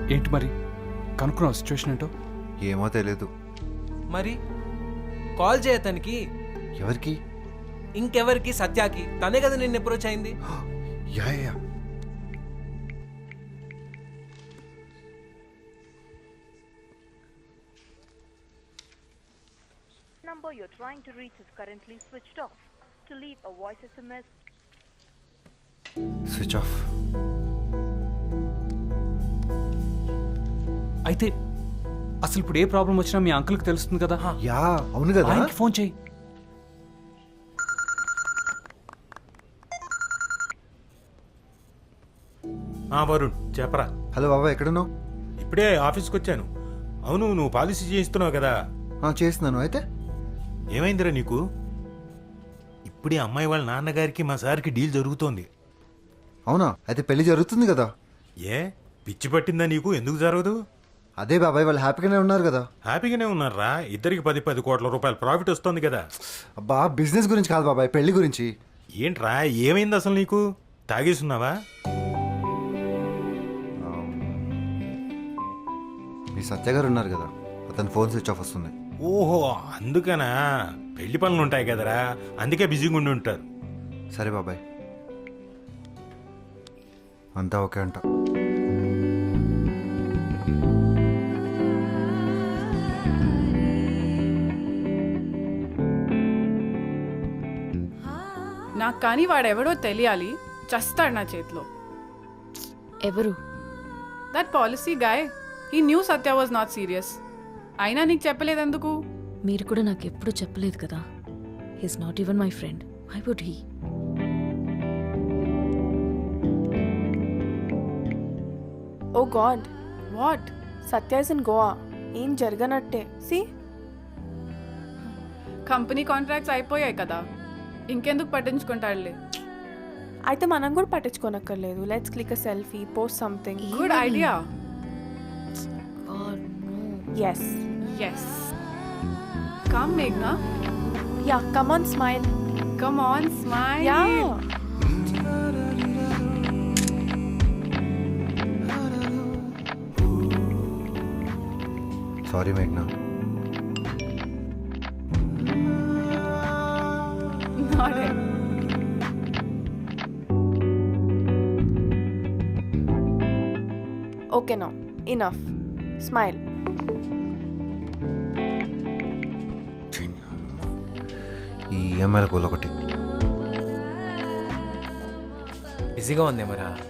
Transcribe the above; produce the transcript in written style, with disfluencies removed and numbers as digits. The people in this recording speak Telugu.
ఏంటి మరి కనుక్కున్నావు సిచ్యువేషన్ ఏంటో? ఏమో తెలీదు. మరి కాల్ చేయతనికి. ఎవరికి? ఇంకెవరికి? సత్యాకి. తనే కదా నిన్ను అప్రోచ్ అయింది. Yeah yeah. Number you're trying to reach is currently switched off. To leave a voice SMS. Switch off. అయితే అసలు ఇప్పుడు ఏ ప్రాబ్లం వచ్చినా మీ అంకుల్కి తెలుస్తుంది కదా. యా అవును కదా. ఆయనకి ఫోన్ చేయి. వరుణ్ చెప్పరా. హలో బాబా, ఎక్కడున్నావు? ఇప్పుడే ఆఫీస్కి వచ్చాను. అవును, నువ్వు పాలసీ చేయిస్తున్నావు కదా. చేస్తున్నాను. అయితే ఏమైందిరా నీకు? ఇప్పుడే అమ్మాయి వాళ్ళ నాన్నగారికి మా సార్కి డీల్ జరుగుతోంది. అవునా? అయితే పెళ్లి జరుగుతుంది కదా. ఏ పిచ్చి పట్టిందా నీకు? ఎందుకు జరగదు? అదే బాబాయ్, వాళ్ళు హ్యాపీగానే ఉన్నారు కదా. హ్యాపీగానే ఉన్నారా? ఇద్దరికి 10 కోట్ల రూపాయల ప్రాఫిట్ వస్తుంది కదా. అబ్బా, బిజినెస్ గురించి కాదు బాబాయ్, పెళ్లి గురించి. ఏంట్రా, ఏమైంది అసలు నీకు? తాగేస్తున్నావా? మీ సత్య గారు ఉన్నారు కదా, అతని ఫోన్ స్విచ్ ఆఫ్ వస్తుంది. ఓహో, అందుకనా? పెళ్లి పనులు ఉంటాయి కదరా, అందుకే బిజీగా ఉండి ఉంటారు. సరే బాబాయ్, అంతా ఓకే అంట. నాకు కానీ వాడెవడో తెలియాలి. చస్తాడు నా చేతిలో. ఎవరు? That policy guy. He knew Satya was not serious. అయినా నీకు చెప్పలేదెందుకు? మీరు కూడా నాకు ఎప్పుడు చెప్పలేదు కదా. He's not even my friend. Why would he? Oh God, what? Satya is in Goa. ఏం జరగనట్టే. సి, కంపెనీ కాంట్రాక్ట్స్ అయిపోయాయి కదా, ఇంకెందుకు పట్టించుకుంటాడులే. అయితే మనం కూడా పట్టించుకోనక్కర్లేదు. Let's click a selfie, post something. Good idea. Yes yes. Come మేఘ్నా. Yeah, come on, smile. Come on, smile. Yeah. Sorry మేఘ్నా. Not it. Okay now, enough. Smile. ఈ ఈఎంఐల గోల్ ఒకటి. బిజీగా ఉంది మరా.